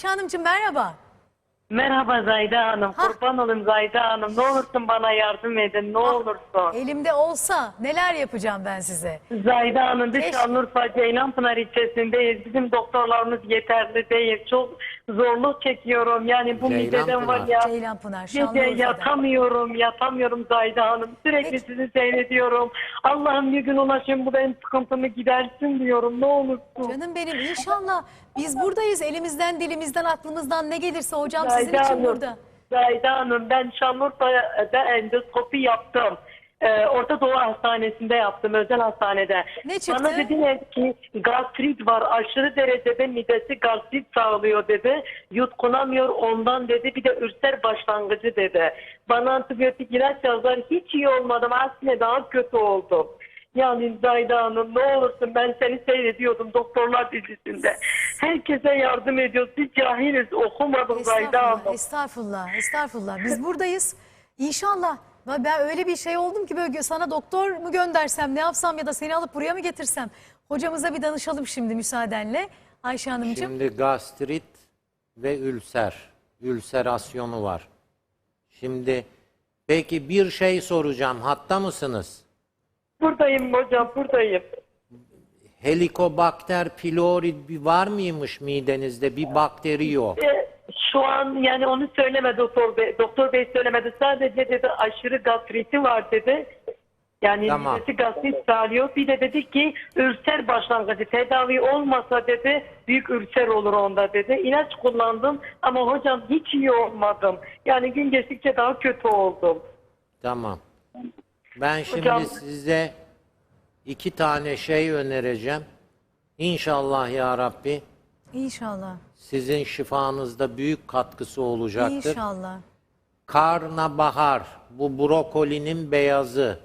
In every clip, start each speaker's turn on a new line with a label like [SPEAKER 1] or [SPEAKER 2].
[SPEAKER 1] Ayşe Hanımcığım merhaba.
[SPEAKER 2] Merhaba Zayda Hanım. Kurban olayım Zayda Hanım. Ne olursun bana yardım edin. Ne olursun.
[SPEAKER 1] Elimde olsa neler yapacağım ben size?
[SPEAKER 2] Zayda Hanım biz
[SPEAKER 1] Keşke.
[SPEAKER 2] Şanlıurfa Ceylanpınar ilçesindeyiz. Bizim doktorlarımız yeterli değil. Çok zorluk çekiyorum. Yani bu mideden var ya.
[SPEAKER 1] Ceylanpınar,
[SPEAKER 2] Gece
[SPEAKER 1] Şanlıurfa'da.
[SPEAKER 2] yatamıyorum Zayda Hanım. Sürekli
[SPEAKER 1] Peki.
[SPEAKER 2] sizi seyrediyorum. Allah'ım bir gün ulaşın bu benim sıkıntımı gidersin diyorum. Ne olursun.
[SPEAKER 1] Canım benim inşallah biz buradayız. Elimizden, dilimizden, aklımızdan ne gelirse hocam sizin
[SPEAKER 2] Zayda
[SPEAKER 1] için
[SPEAKER 2] Hanım,
[SPEAKER 1] burada.
[SPEAKER 2] Zayda Hanım ben Şanlıurfa'da endoskopi yaptım. Orta Doğu Hastanesi'nde yaptım, özel hastanede.
[SPEAKER 1] Ne çıktı?
[SPEAKER 2] Bana dediler ki gastrit var, aşırı derecede midesi gastrit sağlıyor dedi. Yutkunamıyor ondan dedi, bir de ülser başlangıcı dedi. Bana antibiyotik ilaç yazdılar, hiç iyi olmadım, aksine daha kötü oldum. Yani Zayda Hanım ne olursun, ben seni seyrediyordum doktorlar dizisinde. Herkese yardım ediyoruz. Biz cahiliz, okumadım Zayda
[SPEAKER 1] Estağfurullah,
[SPEAKER 2] Hanım.
[SPEAKER 1] estağfurullah, estağfurullah. Biz buradayız. İnşallah. Ben öyle bir şey oldum ki böyle sana doktor mu göndersem, ne yapsam ya da seni alıp buraya mı getirsem? Hocamıza bir danışalım şimdi müsaadenle. Ayşe Hanımcığım.
[SPEAKER 3] Şimdi gastrit ve ülserasyonu var. Şimdi peki bir şey soracağım. Hatta mısınız?
[SPEAKER 2] Buradayım hocam, buradayım.
[SPEAKER 3] Helicobacter pylori var mıymış midenizde? Bir bakteri yok.
[SPEAKER 2] Şu an yani onu söylemedi doktor bey. Doktor bey söylemedi. Sadece dedi aşırı gastriti var dedi. Yani
[SPEAKER 3] Tamam.
[SPEAKER 2] midesi gastrit sağlıyor. Bir de dedi ki ülser başlangıcı tedavi olmasa dedi büyük ülser olur onda dedi. İlaç kullandım ama hocam hiç iyi olmadım. Yani gün geçtikçe daha kötü oldum.
[SPEAKER 3] Tamam. Ben şimdi
[SPEAKER 2] Hocam-
[SPEAKER 3] size 2 tane şey önereceğim. İnşallah ya Rabbi
[SPEAKER 1] İnşallah.
[SPEAKER 3] sizin şifanızda büyük katkısı olacaktır.
[SPEAKER 1] İnşallah.
[SPEAKER 3] Karnabahar, bu brokolinin beyazı.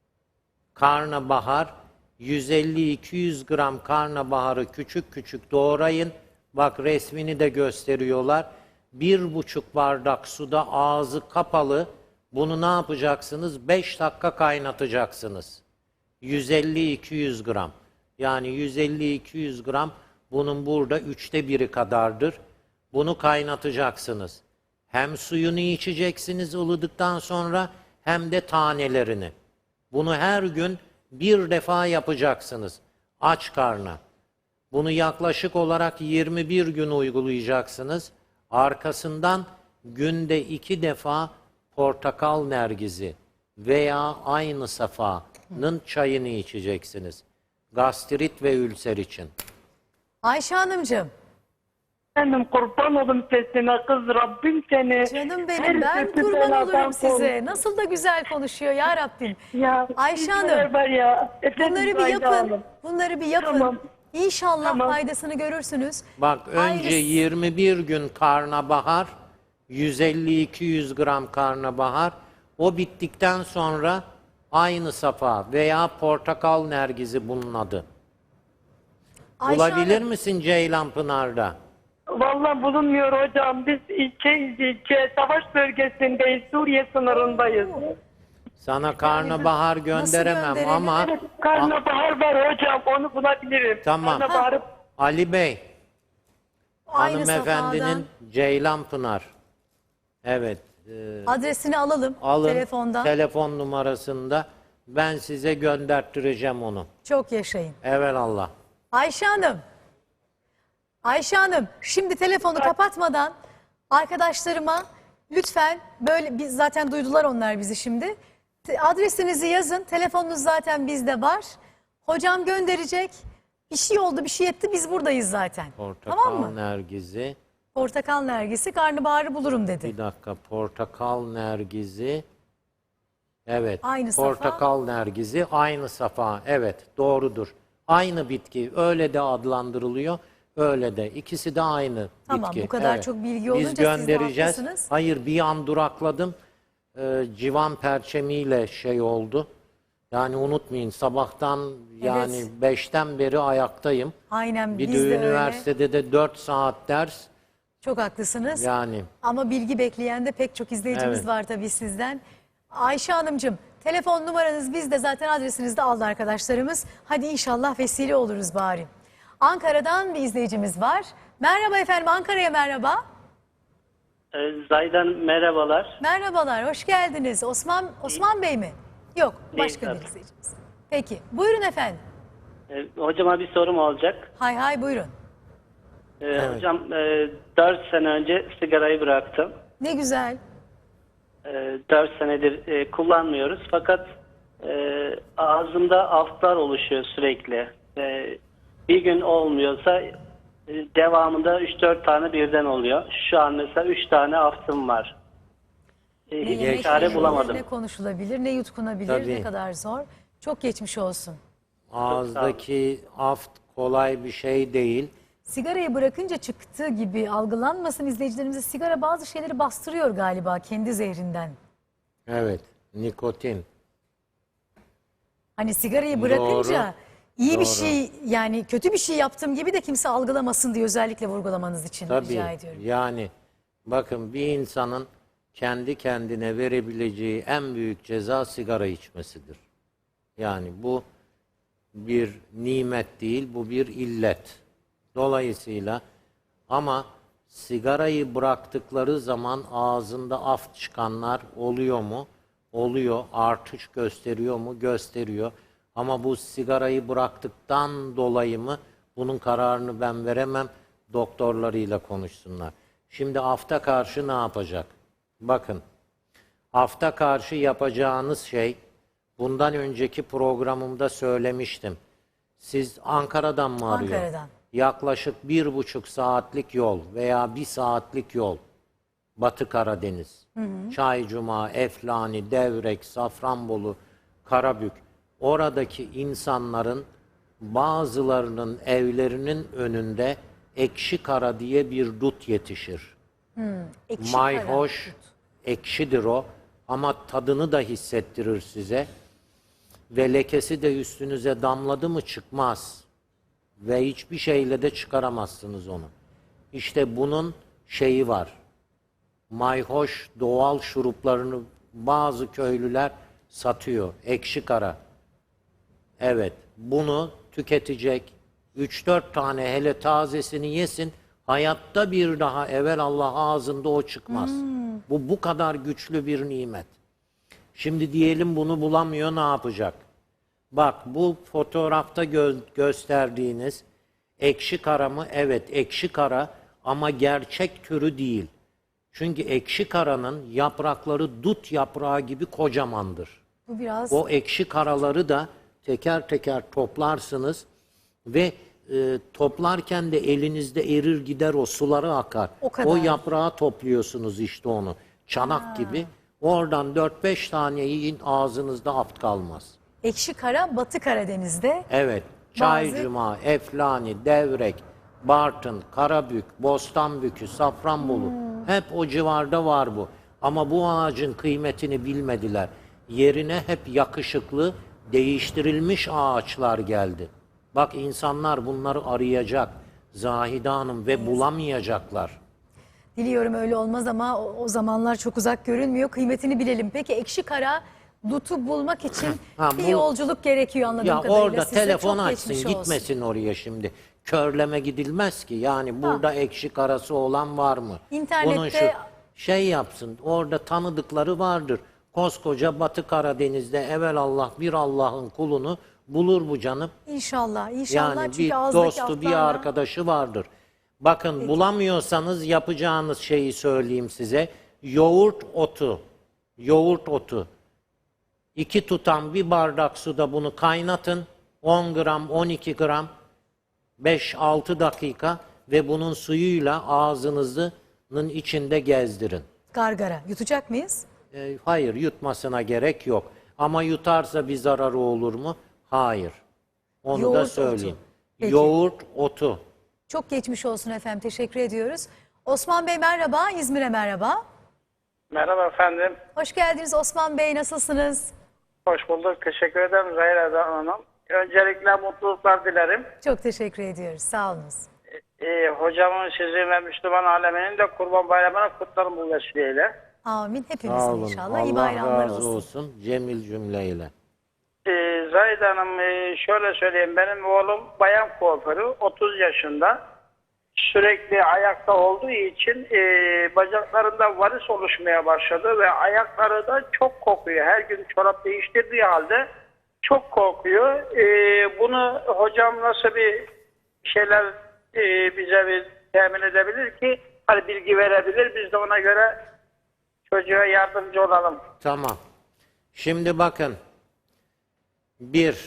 [SPEAKER 3] Karnabahar, 150-200 gram karnabaharı küçük küçük doğrayın. Bak resmini de gösteriyorlar. 1,5 bardak suda ağzı kapalı. Bunu ne yapacaksınız? 5 dakika kaynatacaksınız. 150-200 gram. Yani 150-200 gram bunun burada 1/3 kadardır. Bunu kaynatacaksınız. Hem suyunu içeceksiniz ılıdıktan sonra hem de tanelerini. Bunu her gün bir defa yapacaksınız. Aç karna. Bunu yaklaşık olarak 21 gün uygulayacaksınız. Arkasından günde 2 defa portakal nergizi veya aynı safanın çayını içeceksiniz. Gastrit ve ülser için.
[SPEAKER 1] Ayşe Hanımcığım.
[SPEAKER 2] Efendim kurban olun sesine kız Rabbim seni.
[SPEAKER 1] Canım
[SPEAKER 2] her
[SPEAKER 1] benim ben
[SPEAKER 2] sesi
[SPEAKER 1] kurban
[SPEAKER 2] beladan
[SPEAKER 1] olurum size.
[SPEAKER 2] korusun.
[SPEAKER 1] Nasıl da güzel konuşuyor ya Rabbim.
[SPEAKER 2] Ya,
[SPEAKER 1] Ayşe
[SPEAKER 2] bizler
[SPEAKER 1] Hanım,
[SPEAKER 2] var ya. Efendim
[SPEAKER 1] bunları bir
[SPEAKER 2] Zayda
[SPEAKER 1] yapın.
[SPEAKER 2] Hanım.
[SPEAKER 1] Bunları bir yapın.
[SPEAKER 2] Tamam.
[SPEAKER 1] İnşallah
[SPEAKER 2] Tamam.
[SPEAKER 1] faydasını görürsünüz.
[SPEAKER 3] Bak önce
[SPEAKER 1] Aynısı-
[SPEAKER 3] 21 gün karnabahar, 150-200 gram karnabahar. O bittikten sonra aynı safa veya portakal nergizi bunun adı.
[SPEAKER 1] Ayşe
[SPEAKER 3] Bulabilir
[SPEAKER 1] Hanım,
[SPEAKER 3] misin Ceylanpınar'da?
[SPEAKER 2] Vallahi bulunmuyor hocam. Biz ilçe savaş bölgesindeyiz. Suriye sınırındayız.
[SPEAKER 3] Sana karnabahar gönderemem
[SPEAKER 1] gönderelim?
[SPEAKER 3] ama
[SPEAKER 2] Evet, karnabahar var hocam. Onu bulabilirim.
[SPEAKER 3] Tamam.
[SPEAKER 2] Karnabaharı
[SPEAKER 3] Ali Bey,
[SPEAKER 1] aynı
[SPEAKER 3] hanımefendinin
[SPEAKER 1] safadan
[SPEAKER 3] Ceylanpınar. Evet.
[SPEAKER 1] adresini alalım
[SPEAKER 3] Alın
[SPEAKER 1] telefondan.
[SPEAKER 3] telefon numarasında ben size gönderttireceğim onu.
[SPEAKER 1] Çok yaşayın.
[SPEAKER 3] Evelallah.
[SPEAKER 1] Ayşe Hanım. Ayşe Hanım, şimdi telefonu kapatmadan arkadaşlarıma lütfen böyle biz zaten duydular onlar bizi şimdi. Adresinizi yazın. Telefonunuz zaten bizde var. Hocam gönderecek. Bir şey oldu, bir şey etti. Biz buradayız zaten.
[SPEAKER 3] Portakal
[SPEAKER 1] Tamam mı?
[SPEAKER 3] nergizi.
[SPEAKER 1] Portakal nergisi, karnabaharı bulurum dedi.
[SPEAKER 3] Bir dakika. Portakal nergizi. Evet.
[SPEAKER 1] Aynı safa.
[SPEAKER 3] Portakal nergizi aynı safa. Evet, doğrudur. Aynı bitki. Öyle de adlandırılıyor. Öyle de. İkisi de aynı
[SPEAKER 1] Tamam,
[SPEAKER 3] bitki.
[SPEAKER 1] bu kadar çok bilgi olunca
[SPEAKER 3] Biz
[SPEAKER 1] siz de
[SPEAKER 3] göndereceğiz.
[SPEAKER 1] haklısınız.
[SPEAKER 3] Hayır, bir an durakladım. Civan perçemiyle şey oldu. Yani unutmayın sabahtan yani 5'ten beri ayaktayım.
[SPEAKER 1] Aynen
[SPEAKER 3] Bir
[SPEAKER 1] biz
[SPEAKER 3] de
[SPEAKER 1] de öyle.
[SPEAKER 3] üniversitede de 4 saat ders.
[SPEAKER 1] Çok haklısınız.
[SPEAKER 3] Yani
[SPEAKER 1] Ama bilgi bekleyen de pek çok izleyicimiz
[SPEAKER 3] Evet.
[SPEAKER 1] var tabii sizden. Ayşe Hanımcığım, telefon numaranız bizde, zaten adresinizi de aldı arkadaşlarımız. Hadi inşallah vesile oluruz bari. Ankara'dan bir izleyicimiz var. Merhaba efendim, Ankara'ya merhaba.
[SPEAKER 4] Zaydan merhabalar.
[SPEAKER 1] Merhabalar, hoş geldiniz. Osman Bey mi? Yok, başka
[SPEAKER 4] Değil,
[SPEAKER 1] bir izleyicimiz. Peki, buyurun efendim.
[SPEAKER 4] Hocama bir sorum olacak.
[SPEAKER 1] Hay hay buyurun.
[SPEAKER 4] Hocam 4 sene önce sigarayı bıraktım.
[SPEAKER 1] Ne güzel.
[SPEAKER 4] 4 senedir kullanmıyoruz fakat ağzımda aftlar oluşuyor sürekli. Bir gün olmuyorsa devamında 3-4 tane birden oluyor. Şu an mesela 3 tane aftım var.
[SPEAKER 1] Ne
[SPEAKER 4] Hiç
[SPEAKER 1] yemek
[SPEAKER 4] çare
[SPEAKER 1] yenir,
[SPEAKER 4] bulamadım.
[SPEAKER 1] ne konuşulabilir, ne yutkunabilir,
[SPEAKER 3] Tabii.
[SPEAKER 1] ne kadar zor. Çok geçmiş olsun.
[SPEAKER 3] Ağızdaki aft kolay bir şey değil.
[SPEAKER 1] Sigarayı bırakınca çıktığı gibi algılanmasın izleyicilerimize, sigara bazı şeyleri bastırıyor galiba kendi zehrinden.
[SPEAKER 3] Evet, nikotin.
[SPEAKER 1] Hani sigarayı bırakınca iyi bir
[SPEAKER 3] doğru.
[SPEAKER 1] şey, yani kötü bir şey yaptığım gibi de kimse algılamasın diye özellikle vurgulamanız için
[SPEAKER 3] Tabii,
[SPEAKER 1] rica ediyorum.
[SPEAKER 3] yani bakın bir insanın kendi kendine verebileceği en büyük ceza sigara içmesidir. Yani bu bir nimet değil, bu bir illet. Dolayısıyla ama sigarayı bıraktıkları zaman ağzında af çıkanlar oluyor mu? Oluyor. Artış gösteriyor mu? Gösteriyor. Ama bu sigarayı bıraktıktan dolayı mı? Bunun kararını ben veremem. Doktorlarıyla konuşsunlar. Şimdi afta karşı ne yapacak? Bakın, afta karşı yapacağınız şey, bundan önceki programımda söylemiştim. Siz Ankara'dan mı arıyor?
[SPEAKER 1] Ankara'dan.
[SPEAKER 3] Yaklaşık 1,5 saatlik yol veya 1 saatlik yol. Batı Karadeniz. Çaycuma, Eflani, Devrek, Safranbolu, Karabük. Oradaki insanların bazılarının evlerinin önünde ekşi kara diye bir dut yetişir.
[SPEAKER 1] Ekşi kara.
[SPEAKER 3] Mayhoş, ekşidir o ama tadını da hissettirir size. Ve lekesi de üstünüze damladı mı çıkmaz. Ve hiçbir şeyle de çıkaramazsınız onu. İşte bunun şeyi var. Mayhoş doğal şuruplarını bazı köylüler satıyor. Ekşi kara. Evet, bunu tüketecek. 3-4 tane hele tazesini yesin. Hayatta bir daha evelallah ağzında o çıkmaz. Bu kadar güçlü bir nimet. Şimdi diyelim bunu bulamıyor, ne yapacak? Bak, bu fotoğrafta gösterdiğiniz ekşi kara mı? Evet, ekşi kara ama gerçek türü değil. Çünkü ekşi karanın yaprakları dut yaprağı gibi kocamandır.
[SPEAKER 1] Bu biraz
[SPEAKER 3] O ekşi karaları da teker teker toplarsınız ve toplarken de elinizde erir gider, o suları akar.
[SPEAKER 1] O kadar.
[SPEAKER 3] O yaprağı topluyorsunuz işte onu. Çanak gibi. Oradan 4-5 tane yiyin, ağzınızda aft kalmaz.
[SPEAKER 1] ekşi kara Batı Karadeniz'de.
[SPEAKER 3] Evet. Çaycuma, Eflani, Devrek, Bartın, Karabük, Bostanbükü, Safranbolu. Hep o civarda var bu. Ama bu ağacın kıymetini bilmediler. Yerine hep yakışıklı, değiştirilmiş ağaçlar geldi. Bak, insanlar bunları arayacak Zahide Hanım ve bulamayacaklar.
[SPEAKER 1] Diliyorum öyle olmaz ama o zamanlar çok uzak görünmüyor. Kıymetini bilelim. Peki ekşi kara dutu bulmak için
[SPEAKER 3] Ha,
[SPEAKER 1] bir
[SPEAKER 3] bu-
[SPEAKER 1] yolculuk gerekiyor anladığım
[SPEAKER 3] Ya
[SPEAKER 1] kadarıyla.
[SPEAKER 3] orada
[SPEAKER 1] Size
[SPEAKER 3] telefon
[SPEAKER 1] çok
[SPEAKER 3] açsın,
[SPEAKER 1] geçmiş olsun.
[SPEAKER 3] gitmesin oraya şimdi. Körleme gidilmez ki. Yani burada ekşi karası olan var mı?
[SPEAKER 1] İnternette-
[SPEAKER 3] Bunun şey yapsın. Orada tanıdıkları vardır. Koskoca Batı Karadeniz'de evelallah bir Allah'ın kulunu bulur bu canım.
[SPEAKER 1] İnşallah, inşallah.
[SPEAKER 3] Yani
[SPEAKER 1] Çünkü
[SPEAKER 3] bir
[SPEAKER 1] ağızdaki
[SPEAKER 3] dostu, bir
[SPEAKER 1] aftlarla-
[SPEAKER 3] arkadaşı vardır. Bakın, bulamıyorsanız yapacağınız şeyi söyleyeyim size. Yoğurt otu. Yoğurt otu. 2 tutam bir bardak suda bunu kaynatın. 10 gram, 12 gram, 5-6 dakika ve bunun suyuyla ağzınızın içinde gezdirin.
[SPEAKER 1] Gargara. Yutacak mıyız?
[SPEAKER 3] Hayır, yutmasına gerek yok. Ama yutarsa bir zararı olur mu? Hayır. Onu
[SPEAKER 1] Yoğurt
[SPEAKER 3] da
[SPEAKER 1] otu.
[SPEAKER 3] söyleyeyim.
[SPEAKER 1] Peki.
[SPEAKER 3] Yoğurt otu.
[SPEAKER 1] Çok geçmiş olsun efendim. Teşekkür ediyoruz. Osman Bey merhaba. İzmir'e merhaba.
[SPEAKER 5] Merhaba efendim.
[SPEAKER 1] Hoş geldiniz Osman Bey. Nasılsınız?
[SPEAKER 5] Hoş bulduk. Teşekkür ederim Zahir Hanım. Öncelikle mutluluklar dilerim.
[SPEAKER 1] Çok teşekkür ediyoruz. Sağ olunuz.
[SPEAKER 5] Hocamın, sizin ve Müslüman aleminin de Kurban Bayramı'nı kutlarım bu vesileyle.
[SPEAKER 1] Amin.
[SPEAKER 3] Sağ
[SPEAKER 1] Hepimizin
[SPEAKER 3] olun.
[SPEAKER 1] inşallah. İyi
[SPEAKER 3] Allah
[SPEAKER 1] bayramlar
[SPEAKER 3] razı
[SPEAKER 1] olsun.
[SPEAKER 3] olsun. Cemil cümleyle.
[SPEAKER 5] Zahid Hanım, şöyle söyleyeyim. Benim oğlum bayan kuaförü, 30 yaşında. sürekli ayakta olduğu için bacaklarında varis oluşmaya başladı ve ayakları da çok kokuyor. Her gün çorap değiştirdiği halde çok kokuyor. Bunu hocam nasıl bir şeyler bize bir temin edebilir ki, hani bilgi verebilir, biz de ona göre çocuğa yardımcı olalım.
[SPEAKER 3] Tamam. Şimdi bakın. Bir,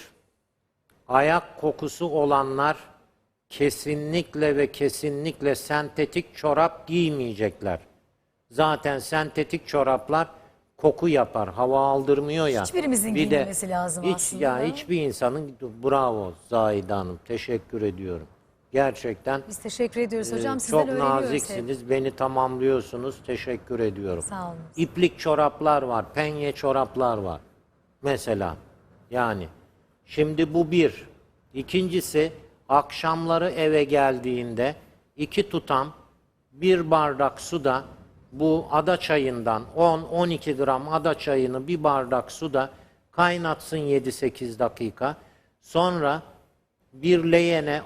[SPEAKER 3] ayak kokusu olanlar kesinlikle ve kesinlikle sentetik çorap giymeyecekler. Zaten sentetik çoraplar koku yapar, hava aldırmıyor ya.
[SPEAKER 1] Hiçbirimizin
[SPEAKER 3] Bir de
[SPEAKER 1] giymemesi lazım aslında.
[SPEAKER 3] Ya hiçbir insanın, bravo Zahide Hanım, teşekkür ediyorum. Gerçekten
[SPEAKER 1] Biz teşekkür ediyoruz hocam. Sizden
[SPEAKER 3] çok
[SPEAKER 1] öğreniyoruz hep.
[SPEAKER 3] naziksiniz, beni tamamlıyorsunuz. Teşekkür ediyorum.
[SPEAKER 1] Sağ olun.
[SPEAKER 3] İplik çoraplar var, penye çoraplar var. Mesela yani. Şimdi bu bir. İkincisi, akşamları eve geldiğinde 2 tutam 1 bardak suda bu ada çayından 10-12 gram ada çayını bir bardak suda kaynatsın 7-8 dakika. Sonra bir leğene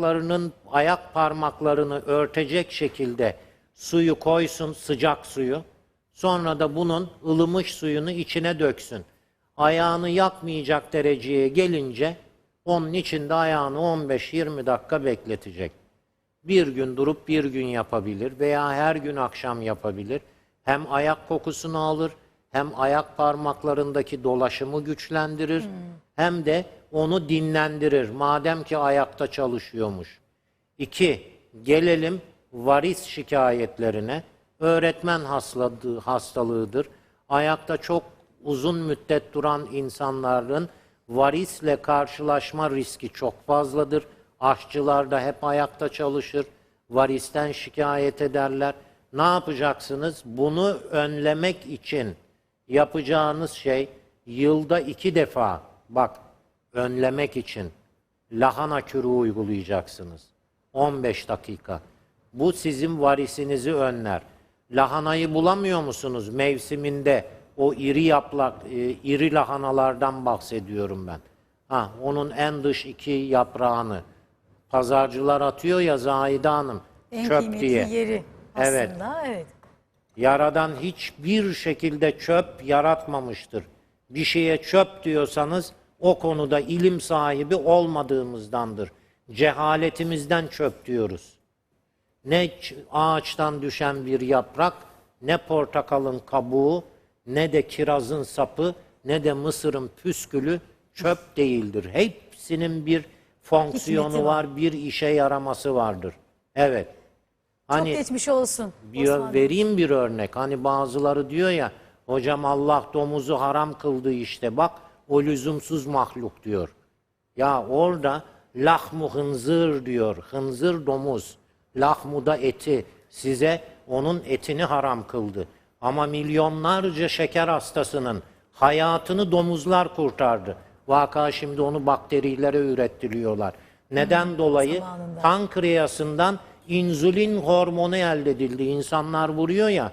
[SPEAKER 3] ayak parmaklarını örtecek şekilde suyu koysun, sıcak suyu. Sonra da bunun ılımış suyunu içine döksün. Ayağını yakmayacak dereceye gelince onun içinde ayağını 15-20 dakika bekletecek. Bir gün durup bir gün yapabilir veya her gün akşam yapabilir. Hem ayak kokusunu alır, hem ayak parmaklarındaki dolaşımı güçlendirir, hem de onu dinlendirir. Madem ki ayakta çalışıyormuş. 2. Gelelim varis şikayetlerine. Öğretmen hastalığıdır. Ayakta çok uzun müddet duran insanların varisle karşılaşma riski çok fazladır. Aşçılar da hep ayakta çalışır. Varisten şikayet ederler. Ne yapacaksınız? Bunu önlemek için yapacağınız şey yılda 2 defa, bak, önlemek için lahana kürü uygulayacaksınız. 15 dakika. Bu sizin varisinizi önler. Lahanayı bulamıyor musunuz mevsiminde? O iri yaprak, iri lahanalardan bahsediyorum ben. Onun en dış 2 yaprağını pazarcılar atıyor ya Zahide Hanım,
[SPEAKER 1] En
[SPEAKER 3] çöp
[SPEAKER 1] kıymetli
[SPEAKER 3] diye.
[SPEAKER 1] yeri aslında. Evet.
[SPEAKER 3] Yaradan hiçbir şekilde çöp yaratmamıştır. Bir şeye çöp diyorsanız o konuda ilim sahibi olmadığımızdandır. Cehaletimizden çöp diyoruz. Ne ağaçtan düşen bir yaprak, ne portakalın kabuğu, ne de kirazın sapı, ne de mısırın püskülü çöp değildir. Hepsinin bir fonksiyonu
[SPEAKER 1] Hikmeti var.
[SPEAKER 3] bir işe yaraması vardır. Evet.
[SPEAKER 1] Çok geçmiş olsun. Osman Bey.
[SPEAKER 3] Vereyim bir örnek. Hani bazıları diyor ya, hocam Allah domuzu haram kıldı işte, bak o lüzumsuz mahluk diyor. Ya orada lahmu hınzır diyor. Hınzır domuz. Lahmu da eti. Size onun etini haram kıldı. Ama milyonlarca şeker hastasının hayatını domuzlar kurtardı. Vaka şimdi onu bakterilere ürettiriyorlar. Neden dolayı?
[SPEAKER 1] zamanında.
[SPEAKER 3] Pankreasından insülin hormonu elde edildi. İnsanlar vuruyor ya.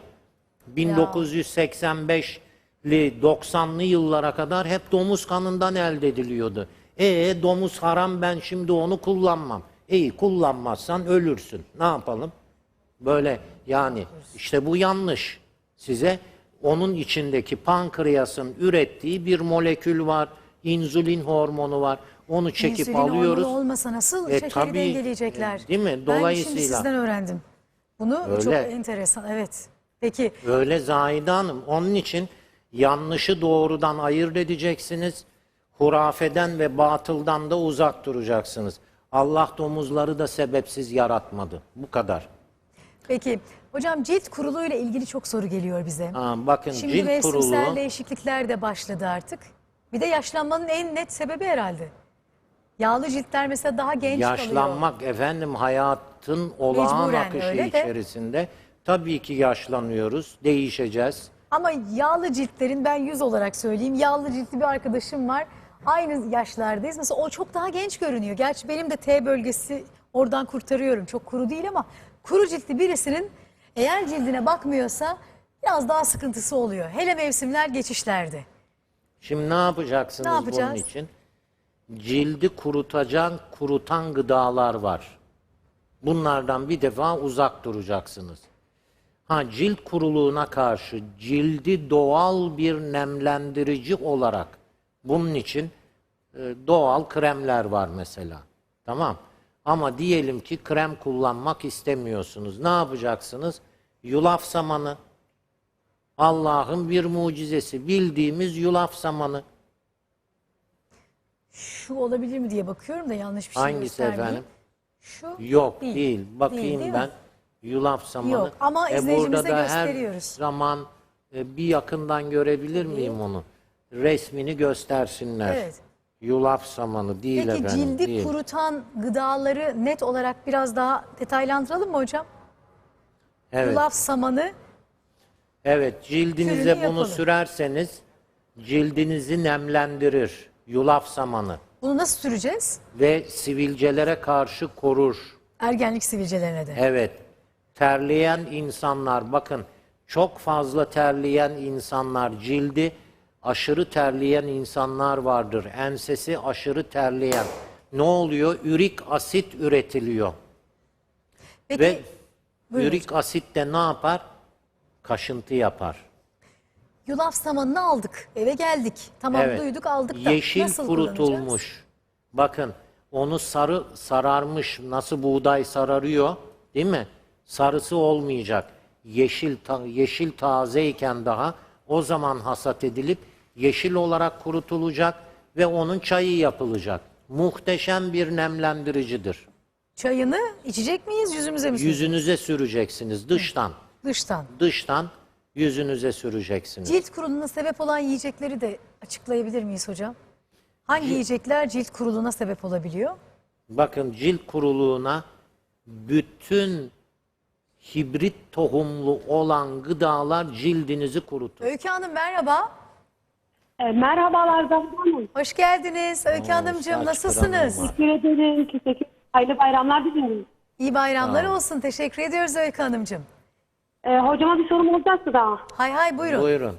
[SPEAKER 3] 1985'li 90'lı yıllara kadar hep domuz kanından elde ediliyordu. Domuz haram, ben şimdi onu kullanmam. Kullanmazsan ölürsün. Ne yapalım? Böyle yani işte bu yanlış. Size onun içindeki pankreasın ürettiği bir molekül var. İnsülin hormonu var. Onu çekip
[SPEAKER 1] İnsülin
[SPEAKER 3] alıyoruz.
[SPEAKER 1] hormonu olmasa nasıl şekeri
[SPEAKER 3] tabii,
[SPEAKER 1] dengeleyecekler?
[SPEAKER 3] değil mi?
[SPEAKER 1] Ben şimdi
[SPEAKER 3] Dolayısıyla
[SPEAKER 1] sizden öğrendim. Bunu
[SPEAKER 3] Öyle.
[SPEAKER 1] çok enteresan. Evet. Peki
[SPEAKER 3] öyle Zahide Hanım. Onun için yanlışı doğrudan ayırt edeceksiniz. Hurafeden ve batıldan da uzak duracaksınız. Allah domuzları da sebepsiz yaratmadı. Bu kadar.
[SPEAKER 1] Peki hocam, cilt kuruluğuyla ilgili çok soru geliyor bize.
[SPEAKER 3] Bakın
[SPEAKER 1] Şimdi
[SPEAKER 3] cilt
[SPEAKER 1] mevsimsel
[SPEAKER 3] kuruluğu,
[SPEAKER 1] değişiklikler de başladı artık. Bir de yaşlanmanın en net sebebi herhalde. Yağlı ciltler mesela daha genç kalıyor.
[SPEAKER 3] yaşlanmak efendim, hayatın olağan
[SPEAKER 1] Mecburen
[SPEAKER 3] akışı
[SPEAKER 1] öyle de.
[SPEAKER 3] içerisinde. Tabii ki yaşlanıyoruz, değişeceğiz.
[SPEAKER 1] Ama yağlı ciltlerin, ben 100 olarak söyleyeyim, yağlı ciltli bir arkadaşım var. Aynı yaşlardayız. Mesela o çok daha genç görünüyor. Gerçi benim de T bölgesi, oradan kurtarıyorum. Çok kuru değil ama kuru ciltli birisinin eğer cildine bakmıyorsa biraz daha sıkıntısı oluyor. Hele mevsimler geçişlerde.
[SPEAKER 3] Şimdi ne yapacaksınız
[SPEAKER 1] Ne yapacağız?
[SPEAKER 3] bunun için? Cildi kurutan gıdalar var. Bunlardan bir defa uzak duracaksınız. Ha, cilt kuruluğuna karşı cildi doğal bir nemlendirici olarak bunun için doğal kremler var mesela. Tamam. Ama diyelim ki krem kullanmak istemiyorsunuz. Ne yapacaksınız? Yulaf samanı. Allah'ın bir mucizesi. Bildiğimiz yulaf samanı.
[SPEAKER 1] Şu olabilir mi diye bakıyorum da yanlış bir şey
[SPEAKER 3] Hangisi
[SPEAKER 1] göstermeyeyim.
[SPEAKER 3] efendim?
[SPEAKER 1] Şu
[SPEAKER 3] Yok değil. Bakayım
[SPEAKER 1] değil
[SPEAKER 3] ben.
[SPEAKER 1] mi?
[SPEAKER 3] Yulaf samanı.
[SPEAKER 1] Yok, ama izleyicimize
[SPEAKER 3] burada da
[SPEAKER 1] gösteriyoruz.
[SPEAKER 3] her zaman bir yakından görebilir miyim onu? Resmini göstersinler.
[SPEAKER 1] Evet.
[SPEAKER 3] Yulaf samanı değil
[SPEAKER 1] Peki
[SPEAKER 3] efendim.
[SPEAKER 1] cildi
[SPEAKER 3] değil.
[SPEAKER 1] kurutan gıdaları net olarak biraz daha detaylandıralım mı hocam?
[SPEAKER 3] Evet.
[SPEAKER 1] Yulaf samanı
[SPEAKER 3] Evet, cildinize
[SPEAKER 1] Kürünü
[SPEAKER 3] bunu
[SPEAKER 1] yapalım.
[SPEAKER 3] sürerseniz cildinizi nemlendirir. Yulaf samanı
[SPEAKER 1] bunu nasıl süreceğiz?
[SPEAKER 3] ve sivilcelere karşı korur.
[SPEAKER 1] Ergenlik sivilcelerine de.
[SPEAKER 3] Evet. Terleyen insanlar, bakın çok fazla terleyen insanlar, cildi aşırı terleyen insanlar vardır. Ensesi aşırı terleyen. Ne oluyor? Ürik asit üretiliyor.
[SPEAKER 1] Peki,
[SPEAKER 3] Ve
[SPEAKER 1] buyurun
[SPEAKER 3] ürik asit de ne yapar? Kaşıntı yapar.
[SPEAKER 1] yulaf samanını aldık, eve geldik. Tamam
[SPEAKER 3] Evet.
[SPEAKER 1] duyduk aldık da
[SPEAKER 3] Yeşil
[SPEAKER 1] nasıl kullanacağız?
[SPEAKER 3] kurutulmuş. Bakın onu sararmış, nasıl buğday sararıyor, değil mi? Sarısı olmayacak. Yeşil tazeyken daha o zaman hasat edilip yeşil olarak kurutulacak ve onun çayı yapılacak. Muhteşem bir nemlendiricidir.
[SPEAKER 1] Çayını içecek miyiz, yüzümüze mi süreceğiz?
[SPEAKER 3] Yüzünüze süreceksiniz dıştan.
[SPEAKER 1] Dıştan.
[SPEAKER 3] Dıştan yüzünüze süreceksiniz.
[SPEAKER 1] Cilt kuruluğuna sebep olan yiyecekleri de açıklayabilir miyiz hocam? Hangi yiyecekler cilt kuruluğuna sebep olabiliyor?
[SPEAKER 3] Bakın cilt kuruluğuna bütün hibrit tohumlu olan gıdalar cildinizi kurutur.
[SPEAKER 1] Öykü Hanım merhaba.
[SPEAKER 6] Merhabalar Zahra Hanım.
[SPEAKER 1] Hoş geldiniz. Öykü Hanımcığım
[SPEAKER 3] saç
[SPEAKER 1] nasılsınız?
[SPEAKER 3] kıranım var.
[SPEAKER 6] Teşekkür ederim. Teşekkür. Hayırlı bayramlar diliyorum.
[SPEAKER 1] İyi bayramlar olsun. Teşekkür ediyoruz Öykü Hanımcığım.
[SPEAKER 6] Hocama bir sorum olacaktı da.
[SPEAKER 1] Hay hay buyurun.
[SPEAKER 3] Buyurun.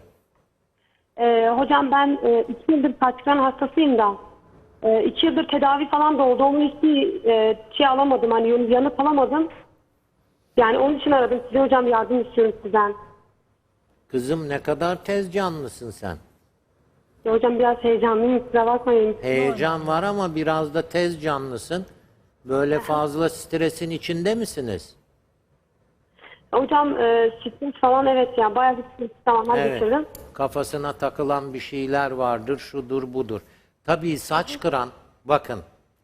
[SPEAKER 6] Hocam ben 2 yıldır saç kıran hastasıyım da. 2 yıldır tedavi falan da oldu. Onun hiçbir şey alamadım. Hani yanıt alamadım. Yani onun için aradım. Size hocam yardım istiyorum sizden.
[SPEAKER 3] Kızım ne kadar tez canlısın sen.
[SPEAKER 6] Hocam biraz heyecanlıyım. Kusura bakmayın.
[SPEAKER 3] Heyecan var ama biraz da tez canlısın. Böyle fazla stresin içinde misiniz?
[SPEAKER 6] Hocam stres falan evet ya. Bayağı bir stres zamanlar
[SPEAKER 3] Evet.
[SPEAKER 6] geçirdim.
[SPEAKER 3] Kafasına takılan bir şeyler vardır, şudur budur. Tabii saç kıran, bakın.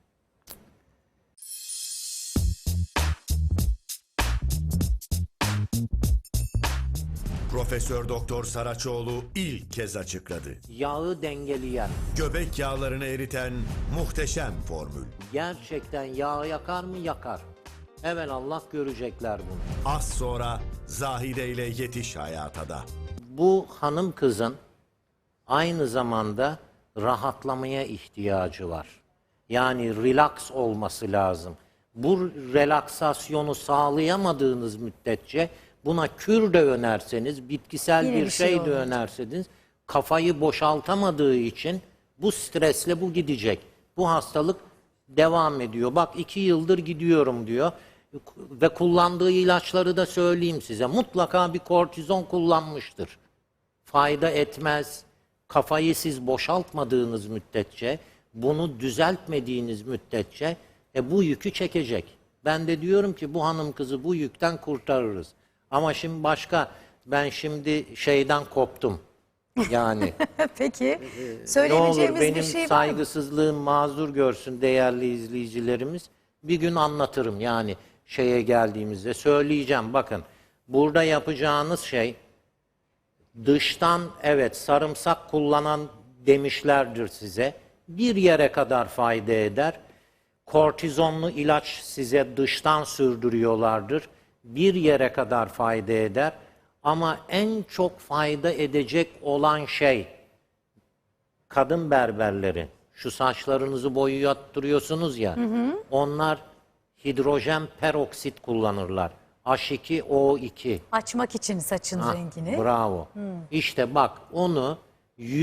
[SPEAKER 7] Profesör Doktor Saraçoğlu ilk kez açıkladı.
[SPEAKER 3] Yağı dengeleyen,
[SPEAKER 7] Göbek yağlarını eriten muhteşem formül.
[SPEAKER 3] gerçekten yağ yakar mı? Yakar. Evelallah görecekler bunu.
[SPEAKER 7] Az sonra Zahide ile Yetiş Hayata da.
[SPEAKER 3] Bu hanım kızın aynı zamanda rahatlamaya ihtiyacı var. Yani relax olması lazım. Bu relaksasyonu sağlayamadığınız müddetçe buna kür de önerseniz, bitkisel
[SPEAKER 1] Yine
[SPEAKER 3] bir
[SPEAKER 1] bir şey
[SPEAKER 3] şey de
[SPEAKER 1] olmayacak.
[SPEAKER 3] önerseniz kafayı boşaltamadığı için bu stresle bu gidecek. Bu hastalık devam ediyor. Bak 2 yıldır gidiyorum diyor. Ve kullandığı ilaçları da söyleyeyim size. Mutlaka bir kortizon kullanmıştır. Fayda etmez. Kafayı siz boşaltmadığınız müddetçe, bunu düzeltmediğiniz müddetçe bu yükü çekecek. Ben de diyorum ki bu hanım kızı bu yükten kurtarırız. Ama şimdi başka, ben şimdi şeyden koptum. Yani
[SPEAKER 1] Peki.
[SPEAKER 3] ne olur
[SPEAKER 1] Söyleyebileceğimiz
[SPEAKER 3] benim
[SPEAKER 1] bir şey var mı?
[SPEAKER 3] saygısızlığım mazur görsün değerli izleyicilerimiz. Bir gün anlatırım yani şeye geldiğimizde söyleyeceğim. Bakın burada yapacağınız şey dıştan evet sarımsak kullanan demişlerdir size. Bir yere kadar fayda eder. Kortizonlu ilaç size dıştan sürdürüyorlardır. Bir yere kadar fayda eder. Ama en çok fayda edecek olan şey kadın berberleri. Şu saçlarınızı boyattırıyorsunuz ya. Onlar hidrojen peroksit kullanırlar. H2O2.
[SPEAKER 1] Açmak için saçın rengini.
[SPEAKER 3] Bravo. İşte bak onu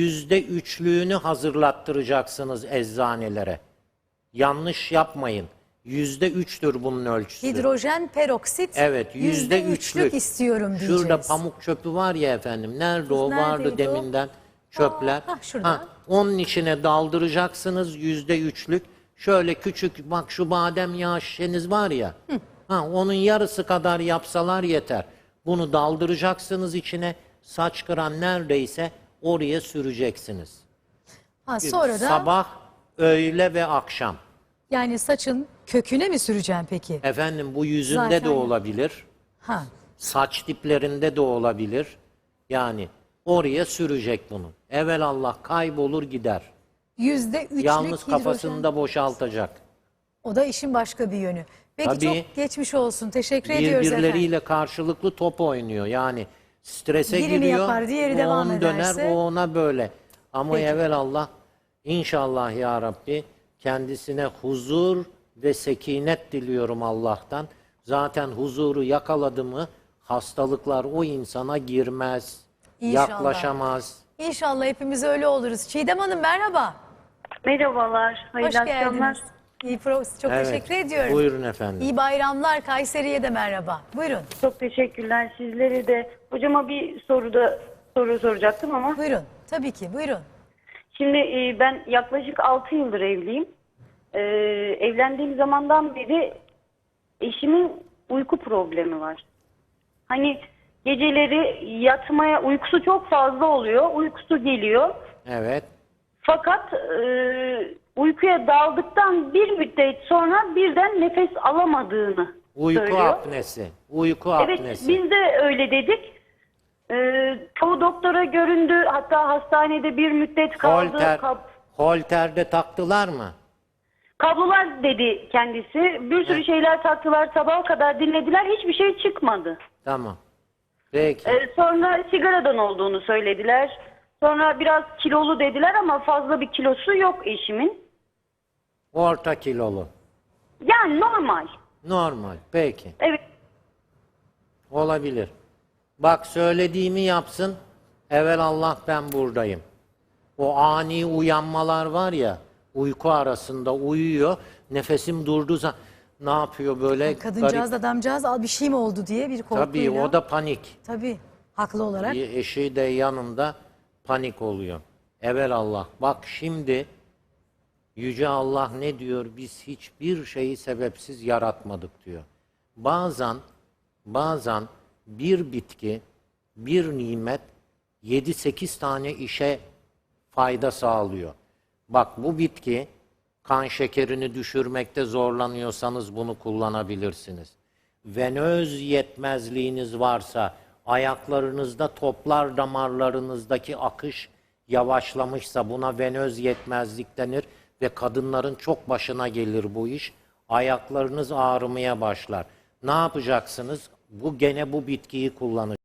[SPEAKER 3] %3'lüğünü hazırlattıracaksınız eczanelere. Yanlış yapmayın. %3'tür bunun ölçüsü.
[SPEAKER 1] Hidrojen peroksit.
[SPEAKER 3] Evet, %3'lük
[SPEAKER 1] istiyorum diyeceğiz.
[SPEAKER 3] Şurada pamuk çöpü var ya efendim. Nerede o? Vardı
[SPEAKER 1] neredeydi o?
[SPEAKER 3] deminden çöpler.
[SPEAKER 1] Şurada.
[SPEAKER 3] Onun içine daldıracaksınız %3'lük. Şöyle küçük, bak şu badem yağı şişeniz var ya. Onun yarısı kadar yapsalar yeter. Bunu daldıracaksınız içine. Saç kıran neredeyse oraya süreceksiniz.
[SPEAKER 1] Sonra da
[SPEAKER 3] Sabah, öğle ve akşam.
[SPEAKER 1] yani saçın köküne mi süreceğim peki?
[SPEAKER 3] Efendim bu yüzünde
[SPEAKER 1] Zaten
[SPEAKER 3] de olabilir.
[SPEAKER 1] Ha.
[SPEAKER 3] Saç diplerinde de olabilir. Yani oraya sürecek bunu. Evelallah kaybolur gider.
[SPEAKER 1] %3'lük
[SPEAKER 3] Yalnız
[SPEAKER 1] hidrojen.
[SPEAKER 3] kafasını da boşaltacak.
[SPEAKER 1] O da işin başka bir yönü. Peki
[SPEAKER 3] Tabii.
[SPEAKER 1] çok geçmiş olsun. Teşekkür ediyoruz efendim.
[SPEAKER 3] Birbirleriyle karşılıklı top oynuyor. Yani strese
[SPEAKER 1] Birini
[SPEAKER 3] giriyor.
[SPEAKER 1] yapar, diğeri
[SPEAKER 3] o
[SPEAKER 1] devam
[SPEAKER 3] on
[SPEAKER 1] ederse.
[SPEAKER 3] döner, o ona böyle. Ama
[SPEAKER 1] Peki.
[SPEAKER 3] evelallah inşallah ya Rabbi kendisine huzur ve sekinet diliyorum Allah'tan. Zaten huzuru yakaladı mı hastalıklar o insana girmez.
[SPEAKER 1] İnşallah.
[SPEAKER 3] Yaklaşamaz.
[SPEAKER 1] İnşallah hepimiz öyle oluruz. Çiğdem Hanım merhaba.
[SPEAKER 8] Merhabalar,
[SPEAKER 1] Hoş
[SPEAKER 8] hayırlı akşamlar.
[SPEAKER 1] geldiniz. Çok
[SPEAKER 3] Evet,
[SPEAKER 1] teşekkür ediyorum.
[SPEAKER 3] buyurun efendim.
[SPEAKER 1] İyi bayramlar. Kayseri'ye de merhaba. Buyurun.
[SPEAKER 8] Çok teşekkürler sizlere de. Hocama bir soru soracaktım ama.
[SPEAKER 1] Buyurun. Tabii ki. Buyurun.
[SPEAKER 8] Şimdi ben yaklaşık 6 yıldır evliyim. Evlendiğim zamandan beri eşimin uyku problemi var. Hani geceleri yatmaya uykusu çok fazla oluyor. Uykusu geliyor.
[SPEAKER 3] Evet.
[SPEAKER 8] Fakat uykuya daldıktan bir müddet sonra birden nefes alamadığını
[SPEAKER 3] Uyku
[SPEAKER 8] söylüyor.
[SPEAKER 3] apnesi. Uyku
[SPEAKER 8] Evet,
[SPEAKER 3] apnesi.
[SPEAKER 8] biz de öyle dedik. Çoğu doktora göründü. Hatta hastanede bir müddet kaldı.
[SPEAKER 3] Holterde taktılar mı?
[SPEAKER 8] Kablolar dedi kendisi. Bir sürü şeyler taktılar. Sabaha kadar dinlediler. Hiçbir şey çıkmadı.
[SPEAKER 3] Tamam. Peki.
[SPEAKER 8] Sonra sigaradan olduğunu söylediler. Sonra biraz kilolu dediler ama fazla bir kilosu yok eşimin.
[SPEAKER 3] Orta kilolu.
[SPEAKER 8] Yani normal.
[SPEAKER 3] Normal. Peki.
[SPEAKER 8] Evet.
[SPEAKER 3] Olabilir. Bak söylediğimi yapsın. Evelallah ben buradayım. O ani uyanmalar var ya, uyku arasında uyuyor. Nefesim durduğu zaman ne yapıyor böyle?
[SPEAKER 1] Kadıncağız, adamcağız bir şey mi oldu diye bir korkuyla.
[SPEAKER 3] Tabii o da panik.
[SPEAKER 1] Tabii. Haklı olarak.
[SPEAKER 3] Eşi de yanında panik oluyor. Evelallah. Bak şimdi Yüce Allah ne diyor? Biz hiçbir şeyi sebepsiz yaratmadık diyor. Bazen bir bitki, bir nimet 7-8 tane işe fayda sağlıyor. Bak bu bitki kan şekerini düşürmekte zorlanıyorsanız bunu kullanabilirsiniz. Venöz yetmezliğiniz varsa, ayaklarınızda toplar damarlarınızdaki akış yavaşlamışsa buna venöz yetmezlik denir ve kadınların çok başına gelir bu iş. Ayaklarınız ağrımaya başlar. Ne yapacaksınız? Gene bu bitkiyi kullanacaksınız.